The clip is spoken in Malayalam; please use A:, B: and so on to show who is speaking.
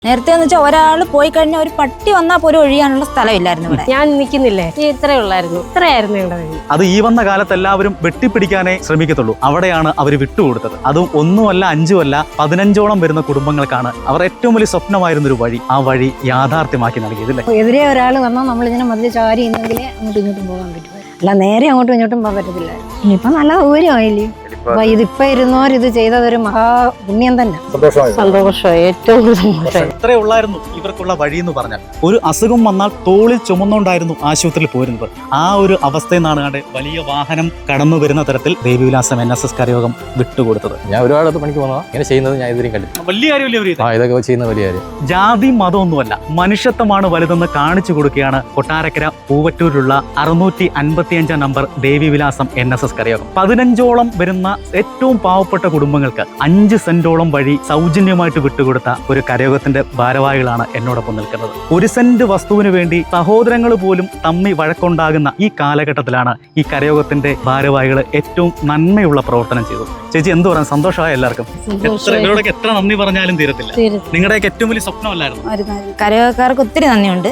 A: നേരത്തെ എന്ന് വെച്ചാൽ ഒരാൾ പോയി കഴിഞ്ഞാൽ ഒരു പട്ടി വന്നാൽ പോലും ഒഴിയാനുള്ള സ്ഥലമില്ലായിരുന്നു ഇവിടെ.
B: ഞാൻ നിൽക്കുന്നില്ലേ, ഇത്രേ ഉള്ളായിരുന്നു, ഇത്രയായിരുന്നു ഇവിടെ.
C: അത് ഈ വന്ന കാലത്ത് എല്ലാവരും വെട്ടിപ്പിടിക്കാനേ ശ്രമിക്കത്തുള്ളൂ. അവിടെയാണ് അവർ വിട്ടുകൊടുത്തത്. അതും ഒന്നുമല്ല, അഞ്ചുമല്ല, 15ഓളം വരുന്ന കുടുംബങ്ങൾക്കാണ് അവർ ഏറ്റവും വലിയ സ്വപ്നമായിരുന്നൊരു വഴി, ആ വഴി യാഥാർത്ഥ്യമാക്കി നൽകിയതല്ലേ.
D: എതിരെ ഒരാൾ വന്നാൽ നമ്മളിങ്ങനെ മതിൽ ചാരി ഇന്നെങ്കിലേ അങ്ങോട്ടും ഇങ്ങോട്ടും പോകാൻ പറ്റും, അല്ല നേരെ അങ്ങോട്ടും ഇങ്ങോട്ടും പോകാൻ പറ്റത്തില്ല. ഇനിയിപ്പം നല്ല സൗകര്യമായില്ലേ. അപ്പൊ ഇതിപ്പോ ഇരുന്നോരിത് ചെയ്തതൊരു മഹാപുണ്യം തന്നെ.
B: സന്തോഷം, ഏറ്റവും സന്തോഷം.
C: എത്രേ ഉള്ളായിരുന്നു ഇവർക്കുള്ള വഴി എന്ന് പറഞ്ഞാൽ. ഒരു അസുഖം വന്നാൽ തോളിൽ ചുമന്നുകൊണ്ടായിരുന്നു ആശുപത്രിയിൽ പോരുന്നത്. ആ ഒരു അവസ്ഥയിൽ നിന്നാണ് കണ്ട് വലിയ വാഹനം കടന്നു വരുന്ന തരത്തിൽ ദേവിവിലാസം NSS കരയോഗം വിട്ടുകൊടുത്തത്.
E: ഞാൻ ഒരുപാട് പണിക്ക് പോകുന്നതാ, ഇങ്ങനെ ചെയ്യുന്നത് ഞാൻ ഇതുവരെയും കണ്ടില്ല.
C: വലിയ കാര്യമല്ലേ
E: ഇതൊക്കെ ചെയ്യുന്ന വലിയ കാര്യം.
C: ജാതി മതമൊന്നുമല്ല, മനുഷ്യത്വമാണ് വലുതെന്ന് കാണിച്ചു കൊടുക്കുകയാണ് കൊട്ടാരക്കര പൂവറ്റൂരിലുള്ള 655 നമ്പർ ദേവിവിലാസം NSS കരയോഗം. 15ഓളം വരുന്ന ഏറ്റവും പാവപ്പെട്ട കുടുംബങ്ങൾക്ക് 5 സെന്റോളം വഴി സൗജന്യമായിട്ട് വിട്ടുകൊടുത്ത ഒരു കരയോഗത്തിന്റെ ഭാരവാഹികളാണ് എന്നോടൊപ്പം നിൽക്കുന്നത്. 1 സെന്റ് വസ്തുവിന് വേണ്ടി സഹോദരങ്ങൾ പോലും തമ്മി വഴക്കുണ്ടാകുന്ന ഈ കാലഘട്ടത്തിലാണ് ഈ കരയോഗത്തിന്റെ ഭാരവാഹികൾ ഏറ്റവും നന്മയുള്ള പ്രവർത്തനം ചെയ്തത്. ചേച്ചി എന്ത് പറയാൻ, സന്തോഷമായ എല്ലാവർക്കും. ഇവരോടൊക്കെ എത്ര നന്ദി പറഞ്ഞാലും തീരത്തില്ല. നിങ്ങളുടെയൊക്കെ ഏറ്റവും വലിയ സ്വപ്നമല്ലായിരുന്നു.
A: കരയോഗക്കാർക്ക് ഒത്തിരി നന്ദിയുണ്ട്.